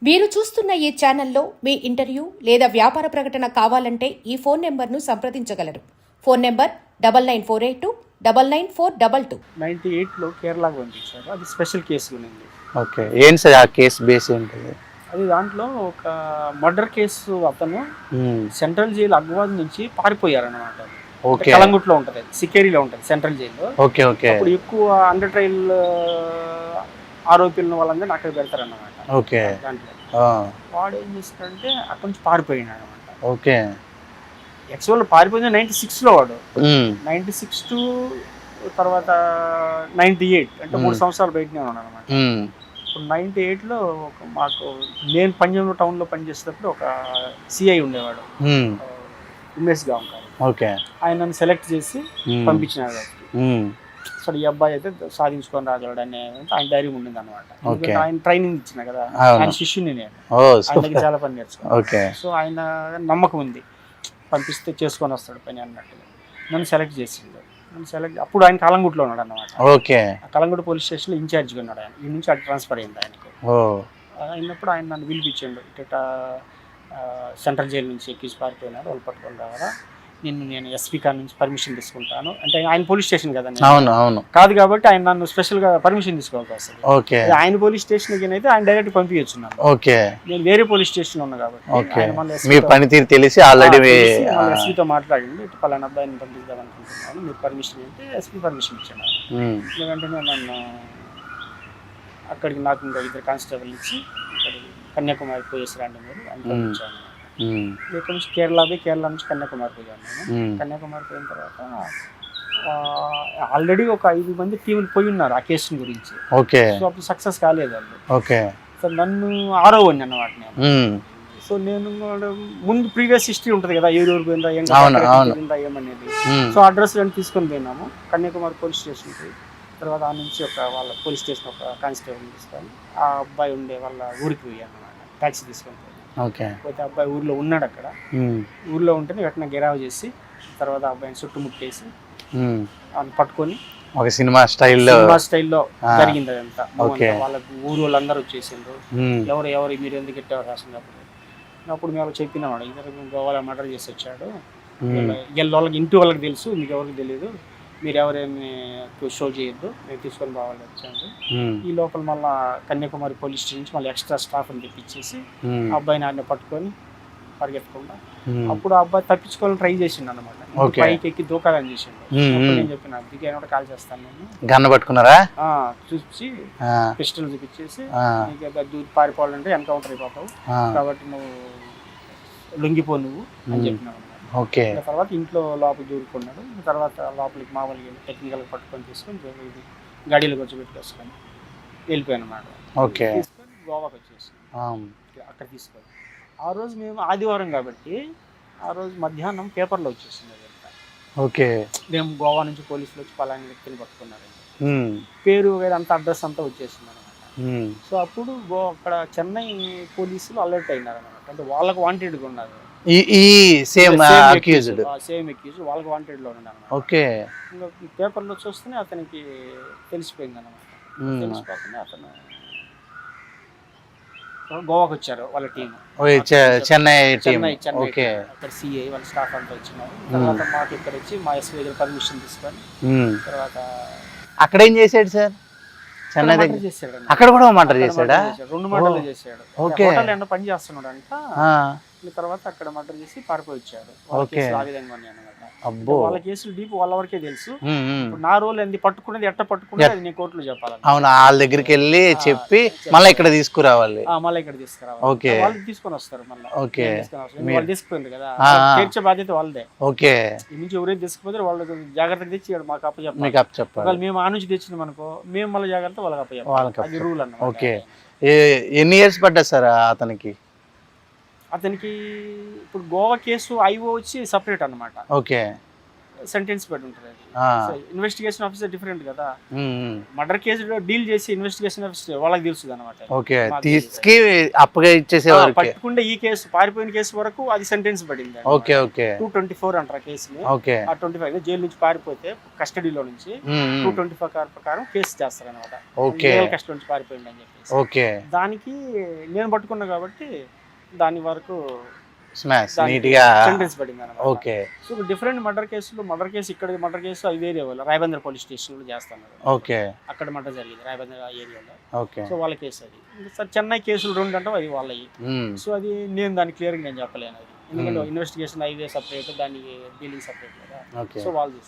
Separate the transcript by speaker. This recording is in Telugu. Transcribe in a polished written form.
Speaker 1: మీరు చూస్తున్న ఈ ఛానల్లో మీ ఇంటర్వ్యూ లేదా వ్యాపార ప్రకటన కావాలంటే ఈ ఫోన్ నెంబర్ను సంప్రదించగలరు. Phone number 9948299422.
Speaker 2: 98లో కేరళకు పంపించారు. అది స్పెషల్ కేసు ఉంది.
Speaker 3: ఓకే, ఏంటి సార్ ఆ కేసు బేస్ ఏంటిది?
Speaker 2: అది దాంట్లో ఒక మర్డర్ కేసు. అతను సెంట్రల్ జైలు అగ్వాద్ నుంచి పారిపోయారన్నమాట.
Speaker 3: ఓకే,
Speaker 2: కలంగుట్లో ఉంటుంది, సికేరిలో ఉంటుంది సెంట్రల్ జైల్లో.
Speaker 3: Okay okay.
Speaker 2: అప్పుడు ఎక్కువ అండర్ ట్రయల్ ఆరోపీలను వాళ్ళందరినీ అక్కడ పెడతారన్నమాట.
Speaker 3: ఓకే,
Speaker 2: దాంట్లో వాడు ఏం చేస్తాడంటే అక్కడి నుంచి పారిపోయినాడు అనమాట.
Speaker 3: ఓకే.
Speaker 2: యాక్చువల్ పారిపోయింది 96లో. వాడు 96 టు తర్వాత 98 అంటే 3 సంవత్సరాలు బయటనే ఉన్నాడు అనమాట. ఇప్పుడు 98లో మాకు నేను పంజాబ్ టౌన్లో పనిచేసేటప్పుడు ఒక సిఐ ఉండేవాడు, ఉమేష్ గాంకార్.
Speaker 3: ఓకే,
Speaker 2: ఆయన నన్ను సెలెక్ట్ చేసి పంపించినాడు. అసలు ఈ అబ్బాయి అయితే సాధించుకొని రాగలడు అనే ఆయన ధైర్యం ఉండింది అనమాట. ఆయన ట్రైనింగ్ ఇచ్చిన కదా, ఆయన శిష్యుని నేను, ఆయనకి చాలా పని నేర్చుకున్నాను. సో ఆయన నమ్మకం ఉంది, పంపిస్తే చేసుకొని వస్తాడు పని అన్నట్టుగా నన్ను సెలెక్ట్ చేసిండు. అప్పుడు ఆయన కలంగుట్లో ఉన్నాడు అన్నమాట.
Speaker 3: ఓకే,
Speaker 2: కలంగుట్ పోలీస్ స్టేషన్లో ఇన్ఛార్జ్గా ఉన్నాడు ఆయన. ఈ నుంచి అటు ట్రాన్స్ఫర్ అయింది ఆయనకు. అయినప్పుడు ఆయన నన్ను పిలిపించాడు. ఇట సెంట్రల్ జైలు నుంచి ఎక్కించి పారిపోయినాడు, వాళ్ళు పట్టుకొని రావాలా, నేను ఎస్పీ కార్ నుంచి పర్మిషన్ తీసుకుంటాను అంటే. ఆయన పోలీస్ స్టేషన్ కదా, కాదు కాబట్టి ఆయన నన్ను స్పెషల్గా పర్మిషన్ తీసుకోవాల్సి వస్తుంది.
Speaker 3: ఓకే,
Speaker 2: ఆయన పోలీస్ స్టేషన్కి అయితే ఆయన డైరెక్ట్ పంపించచ్చు.
Speaker 3: ఓకే,
Speaker 2: నేను వేరే పోలీస్ స్టేషన్ ఉన్నా కాబట్టి
Speaker 3: మీ పనితీరు తెలిసి ఆల్రెడీ
Speaker 2: ఎస్పీతో మాట్లాడింది. ఇటు పలానా అబ్బాయిని పంపిద్దాం అనుకుంటున్నాను, మీరు పర్మిషన్ అంటే ఎస్పీ పర్మిషన్ ఇచ్చాను. వెంటనే నన్ను అక్కడికి నాకు ఇంకా 2 కానిస్టేబుల్ ఇచ్చి ఇక్కడికి కన్యాకుమారి పోయేసి రండి మీరు అని పంపించాను. ఇక్కడ నుంచి కేరళ నుంచి కన్యాకుమారి పోయాను నేను. కన్యాకుమారి పోయిన తర్వాత ఆల్రెడీ ఒక 5 మంది టీములు పోయి ఉన్నారు ఆ కేసు గురించి.
Speaker 3: ఓకే,
Speaker 2: సో అప్పుడు సక్సెస్ కాలేదు వాళ్ళు.
Speaker 3: ఓకే,
Speaker 2: సో నన్ను 6వ వాడిని అన్నమాట నేను. సో నేను ముందు ప్రీవియస్ హిస్టరీ ఉంటుంది కదా, ఎవరు పోయిందా ఏమనేది. సో అడ్రస్ రెండు తీసుకొని పోయినాము కన్యాకుమారి పోలీస్ స్టేషన్కి. తర్వాత ఆ నుంచి వాళ్ళ పోలీస్ స్టేషన్ ఒక కానిస్టేబుల్ తీసుకొని ఆ అబ్బాయి ఉండే వాళ్ళ ఊరికి పోయాను అన్నమాట, ట్యాక్సీ తీసుకొని పోయాను. పోతే అబ్బాయి ఊర్లో ఉన్నాడు. అక్కడ ఊర్లో ఉంటేనే వెంటనే గెరావ్ చేసి తర్వాత అబ్బాయిని చుట్టుముట్టేసి వాళ్ళని పట్టుకొని
Speaker 3: ఒక సినిమా స్టైల్లో
Speaker 2: జరిగింది అదంతా. వాళ్ళకి ఊరు వాళ్ళందరూ వచ్చేసిండ్రు. ఎవరు మీరు ఎందుకు ఎట్టారు రాసినప్పుడు. అప్పుడు మేము చెప్పినాడు, ఇద్దరు గోవాలో మర్డర్ చేసి వచ్చాడు, వాళ్ళకి ఇంటి వాళ్ళకి తెలుసు, మీకు ఎవరికి తెలియదు, మీరు ఎవరేమి షో చేయొద్దు, మేము తీసుకొని బావాలి వచ్చాను. ఈ లోపల మళ్ళీ కన్యాకుమారి పోలీస్ స్టేషన్ నుంచి మళ్ళీ ఎక్స్ట్రా స్టాఫ్ని తెప్పించేసి అబ్బాయిని ఆయన పట్టుకొని పరిగెత్తకుండా. అప్పుడు ఆ అబ్బాయి తప్పించుకోవాలని ట్రై చేసిండు అనమాట. పైకి ఎక్కి దూకాలని చేసిండు. నేను చెప్పిన దిగి కూడా కాల్ చేస్తాను నేను.
Speaker 3: గన్ను పట్టుకున్నారా?
Speaker 2: చూసి పిస్టల్ చూపించేసి నీకు దూరి పారిపోవాలంటే ఎన్కౌంటర్ అయిపోతావు కాబట్టి నువ్వు లొంగిపో నువ్వు అని చెప్పినావు.
Speaker 3: ఓకే,
Speaker 2: తర్వాత ఇంట్లో లోపల దూరుకున్నాడు. తర్వాత లోపలికి మామూలుగా టెక్నికల్ పట్టుకొని తీసుకొని గాడీలో వచ్చి పెట్టుకొసుకొని వెళ్ళిపోయాను అన్నమాట.
Speaker 3: ఓకే,
Speaker 2: తీసుకొని గోవాకి వచ్చేసి అక్కడ తీసుకొని ఆ రోజు మేము ఆదివారం కాబట్టి ఆ రోజు మధ్యాహ్నం పేపర్లో వచ్చేసింది అదంతా.
Speaker 3: ఓకే,
Speaker 2: మేము గోవా నుంచి పోలీసులు వచ్చి పలాని వ్యక్తిని పట్టుకున్నారు, పేరు అంత అడ్రస్ అంతా వచ్చేసింది అనమాట. సో అప్పుడు అక్కడ చెన్నై పోలీసులు అలర్ట్ అయినారు అనమాట. అంటే వాళ్ళకు వాంటెడ్గా ఉన్నారు,
Speaker 3: సేమ్ అక్యూజ్
Speaker 2: వాళ్ళకి వాంటెడ్ లో ఉన్నాడు.
Speaker 3: ఓకే,
Speaker 2: ఇంకా పేపర్లో చూస్తేనే అతనికి తెలిసిపోయింది అనమాట. తెలిసిపోతుంది అతను గోవాకి వచ్చారు వాళ్ళ టీం,
Speaker 3: చెన్నై
Speaker 2: అక్కడ సిఐ వాళ్ళ స్టాఫ్ అంతా వచ్చినారు. తర్వాత మాకు ఇక్కడ వచ్చి మా ఎస్పీ దగ్గర పర్మిషన్ తీసుకొని తర్వాత
Speaker 3: అక్కడ ఏం చేశాడు సార్? చెన్నై దగ్గర
Speaker 2: చేశాడు.
Speaker 3: అక్కడ కూడా మర్డర్ చేశాడా?
Speaker 2: 2 మర్డర్లు చేశాడు. హోటల్ పని చేస్తున్నాడు అంట. తర్వాత అక్కడ మర్డర్ చేసి పారిపోయి వచ్చాడు. ఆ విధంగా అన్నమాట. వాళ్ళ కేసులు డీప్ వాళ్ళ వరకే తెలుసు. నా రోల్ ఏంది, పట్టుకునేది ఎట్ట పట్టుకునేది అది నేను కోర్టులో చెప్పాలి.
Speaker 3: అవును, వాళ్ళ దగ్గరికి వెళ్ళి చెప్పి మళ్ళీ ఇక్కడ తీసుకురావాలి.
Speaker 2: ఓకే, వాళ్ళు తీసుకొని వస్తారు మళ్ళీ. ఓకే, వాళ్ళు తీసుకుపోయింది కదా, తీర్చే బాధ్యత వాళ్ళదే.
Speaker 3: ఓకే,
Speaker 2: ఈ నుంచి ఎవరైతే తీసుకుపోతే వాళ్ళకి జాగ్రత్తగా తెచ్చి మాకు
Speaker 3: అప్పచెప్పాలి.
Speaker 2: మేము ఆ నుంచి తెచ్చినాం అనుకో, మేము మళ్ళీ జాగ్రత్త వాళ్ళకి అప్పచెప్పాలి. అది రూల్ అన్నమాట.
Speaker 3: ఓకే, ఎన్ని ఇయర్స్ పడ్డా సార్ అతనికి?
Speaker 2: అతనికి ఇప్పుడు గోవా కేసు ఐఓ వచ్చి సపరేట్ అన్నమాట.
Speaker 3: ఓకే,
Speaker 2: సెంటెన్స్ పడి ఉంటుంది
Speaker 3: ఆ.
Speaker 2: అది. ఇన్వెస్టిగేషన్ ఆఫీసర్ డిఫరెంట్ కదా,
Speaker 3: ఉమ్.
Speaker 2: మర్డర్ కేసులో డీల్ చేసి ఇన్వెస్టిగేషన్ ఆఫీసర్ వాళ్ళకి తెలుస్తుంది అనమాట.
Speaker 3: ఓకే, తీసుకి అప్పగా ఇచ్చేసే వరకు.
Speaker 2: పట్టుకుంటే ఈ కేసు పారిపోయిన కేసు వరకు అది సెంటెన్స్ పడింది.
Speaker 3: ఓకే ఓకే
Speaker 2: 224 అంటారు కేసుని.
Speaker 3: ఓకే.
Speaker 2: ఆ 25 జైలు నుంచి పారిపోతే కస్టడీలో నుంచి 225 ప్రకారం కేసు చేస్తారు అనమాట.
Speaker 3: ఓకే.
Speaker 2: కస్టడీ నుంచి పారిపోయింది అని చెప్పేసి.
Speaker 3: ఓకే.
Speaker 2: దానికి నేను పట్టుకున్నా కాబట్టి దాని వరకు
Speaker 3: స్మాష్ నీట్ గా
Speaker 2: సెంటెన్స్ పడింది అనమాట.
Speaker 3: ఓకే.
Speaker 2: సో డిఫరెంట్ మర్డర్ కేసులు, మర్డర్ కేసు ఇక్కడ మర్డర్ కేసు అది వేరే వాళ్ళు రాయబందర్ పోలీస్ స్టేషన్ లో చేస్తున్నారు.
Speaker 3: ఓకే.
Speaker 2: అక్కడ మర్డర్ జరిగింది రాయబందర్ ఏరియాలో.
Speaker 3: ఓకే.
Speaker 2: సో వాళ్ళ కేసు అది. సార్ చెన్నై కేసులు 2 అంటే అది వాళ్ళవి. సో అది నేను దాన్ని క్లియర్గా నేను చెప్పలేను అది, ఎందుకంటే ఇన్వెస్టిగేషన్ హైవే సపరేట్, దానికి డీలింగ్ సపరేట్ కదా.
Speaker 3: ఓకే.
Speaker 2: సో వాళ్ళు